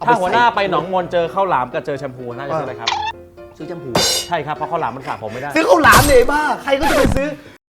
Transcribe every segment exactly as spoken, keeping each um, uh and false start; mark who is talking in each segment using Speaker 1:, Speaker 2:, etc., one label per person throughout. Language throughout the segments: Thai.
Speaker 1: ถ้าหัวหน้าไปหนองมนเจอข้าวหลามกับเจอแชมพูน่าจะซื้ออะไรครับ
Speaker 2: ซื้อแชมพู
Speaker 1: ใช่ครับเพราะข้าวหลามมันสระผมไม่ได้
Speaker 2: ซื้อข้าวหลามเลยบ้าใครก็จะไปซื้อ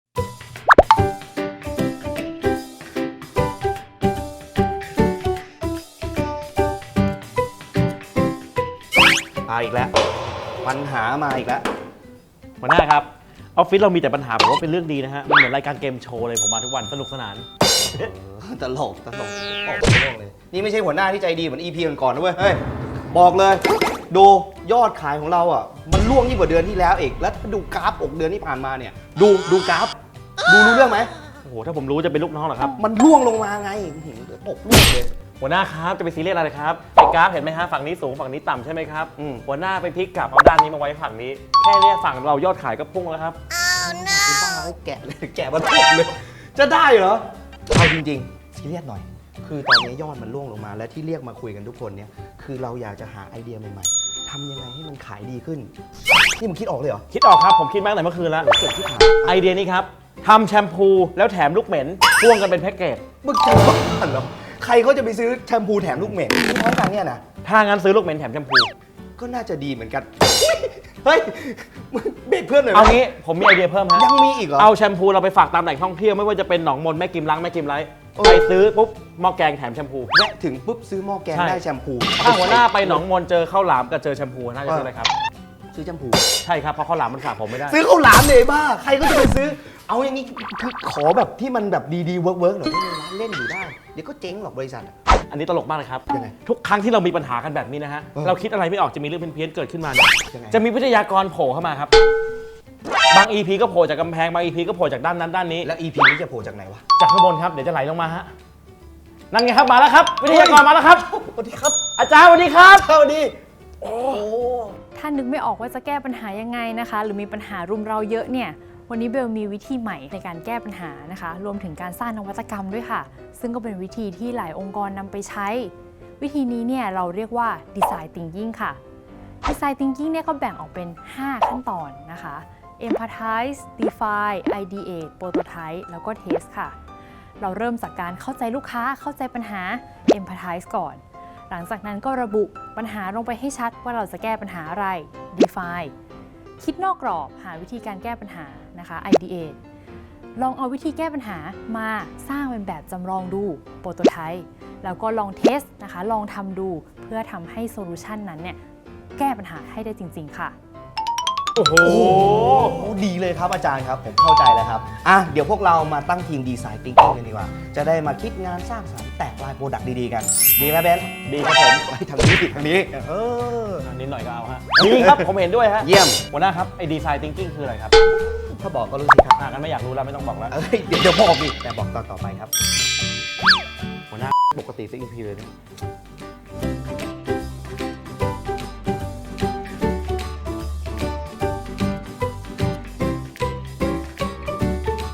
Speaker 2: มาอีกแล้วปัญหามาอีกแล้ว
Speaker 1: หัวหน้าครับออฟฟิศเรามีแต่ปัญหาผมว่าเป็นเรื่องดีนะฮะมันเหมือนรายการเกมโชว์เลยผมมาทุกวันสนุกสนาน
Speaker 2: ตลกตลกออกตลกเลยนี่ไม่ใช่หัวหน้าที่ใจดีเหมือน อี พี ก่อนๆนะเว้ยเฮ้ยบอกเลยดูยอดขายของเราอ่ะมันล่วงยิ่งกว่าเดือนที่แล้วอีกแล้วดูกราฟอกเดือนที่ผ่านมาเนี่ยดูดูกราฟดูรู้เรื่องไหม
Speaker 1: โอ้โหถ้าผมรู้จะเป็นลูกน้องเหรอครับ
Speaker 2: มันล่วงลงมาไงตกล่วงเลย
Speaker 1: หัวหน้าครับจะไปซีเรียสอะไรครับไอ้กราฟเห็นไหมฮะฝั่งนี้สูงฝั่งนี้ต่ำใช่ไหมครับหัวหน้าไปพลิกกลับเอาด้านนี้มาไว้ฝั่งนี้แค่นี้ฝั่งเรายอดขายก็พุ่งแล้วครับ
Speaker 2: คือบ้าเลยแกะเลยแกะมาตกเลยจะได้เหรอเอาจริงๆซีเรียสหน่อยคือตอนนี้ยอดมันล่วงลงมาและที่เรียกมาคุยกันทุกคนเนี่ยคือเราอยากจะหาไอเดียใหม่ๆทำยังไงให้มันขายดีขึ้นนี่มึงคิดออกเลยเหรอ
Speaker 1: คิดออกครับผมคิดมาตั้งแต่เมื่อคืนแล้วเกิดที่ถามไอเดียนี้ครับทำแชมพูแล้วแถมลูกเหม็นพ่วงกันเป็นแพ็กเกจ
Speaker 2: มึงจะบ้าเหรอใครเขาจะไปซื้อแชมพูแถมลูกเหม็นที่ท้องกันเนี่ยนะ
Speaker 1: ถ้างั้นซื้อลูกเหม็นแถมแชมพู
Speaker 2: ก็น่าจะดีเหมือนกันเฮ้ยเบรกเพื่อนหน่อย
Speaker 1: เอางี้ผมมีไอเดียเพิ่มฮะ
Speaker 2: ยังมีอีกเหรอ
Speaker 1: เอาแชมพูเราไปฝากตามแหล่งท่องเที่ยวไม่ว่าจะเป็นหนองมนแม่กิมล้างแม่กิมไลไปซื้อปุ๊บหม้อแกงแถมแชมพู
Speaker 2: แวะถึงปุ๊บซื้อหม้อแกงได้แชมพู
Speaker 1: ถ้าหัวหน้าไปหนองมนเจอข้าวหลามกับเจอแชมพูน่าจะซื้ออะไรครับ
Speaker 2: ซื้อแชมพู
Speaker 1: ใช่ครับเพราะข้าวหลามมันสระผมไม่ได้
Speaker 2: ซื้อข้าวหลามเลยบ้าใครก็จะไปซื้อเอาอย่างนี้คือขอแบบที่มันแบบดีๆเวิร์กเวิร์กหน่อยให้ร้านเล่นอยู่ได้เดี๋ยวก็เจ๊งหรอกบริษัท
Speaker 1: อันนี้ตลกมากเลยครับ
Speaker 2: ยังไง
Speaker 1: ทุกครั้งที่เรามีปัญหากันแบบนี้นะฮะเราคิดอะไรไม่ออกจะมีเรื่องเพี้ยนๆเกิดขึ้นมาเนี่ยจะมีวิทยากรโผล่เข้ามาครับบาง อี พี ก็โผล่จากกำแพงบาง อี พี ก็โผล่จากด้านนั้นด้านนี้
Speaker 2: แล้ว อี พี นี้จะโผล่จากไหนวะ
Speaker 1: จากข้างบนครับเดี๋ยวจะไหลลงมาฮะนั่นไงครับมาแล้วครับวิทยากรมาแล้วครับ
Speaker 2: สวัสดีครับ
Speaker 1: อาจารย์สวัสดีครับ
Speaker 2: สวัสดีโอ้
Speaker 3: ถ้านึกไม่ออกว่าจะแก้ปัญหายังไงนะคะหรือมีปัญหารุมเราเยอะเนี่ยวันนี้เบลมีวิธีใหม่ในการแก้ปัญหานะคะรวมถึงการสร้างนวัตกรรมด้วยค่ะซึ่งก็เป็นวิธีที่หลายองค์กรนำไปใช้วิธีนี้เนี่ยเราเรียกว่า Design Thinking ค่ะ Design Thinking เนี่ยก็แบ่งออกเป็นห้าขั้นตอนนะคะ Empathize Define Ideate Prototype แล้วก็ Test ค่ะเราเริ่มจากการเข้าใจลูกค้าเข้าใจปัญหา Empathize ก่อนหลังจากนั้นก็ระบุปัญหาลงไปให้ชัดว่าเราจะแก้ปัญหาอะไร Define คิดนอกกรอบหาวิธีการแก้ปัญหานะคะ Ideate ลองเอาวิธีแก้ปัญหามาสร้างเป็นแบบจำลองดู Prototype แล้วก็ลองเทสนะคะลองทำดูเพื่อทำให้โซลูชันนั้นเนี่ยแก้ปัญหาให้ได้จริงๆค่ะ
Speaker 1: โอ้โห
Speaker 2: ดีเลยครับอาจารย์ครับผมเข้าใจแล้วครับอ่ะเดี๋ยวพวกเรามาตั้งทีมดีไซน์ทิงกิ้งกันดีกว่าจะได้มาคิดงานสร้างสรรค์แตกลายโปรดักต์ดีๆกันดีไหมเบน
Speaker 1: ดีครับผม
Speaker 2: ไปทางนี้ทางนี้เออ
Speaker 1: นิดหน่อยก็เอาฮะดีครับผมเห็นด้วยฮะ
Speaker 2: เยี่ยม
Speaker 1: หัวหน้าครับไอ้ดีไซน์ทิงกิ้งคืออะไรครับ
Speaker 2: ถ้าบอกก็รู้สิครับ
Speaker 1: อ่างั้นไม่อยากรู้แล้วไม่ต้องบอกแล้ว
Speaker 2: เอ้ยเดี๋ยวเดี๋ยวบอกดิแต่บอกตอนต่อไปครับ
Speaker 1: หัวหน้าปกติสักอีพีเลยนะ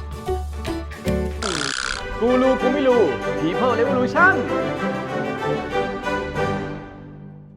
Speaker 4: กูรู้กูไม่รู้ People Revolution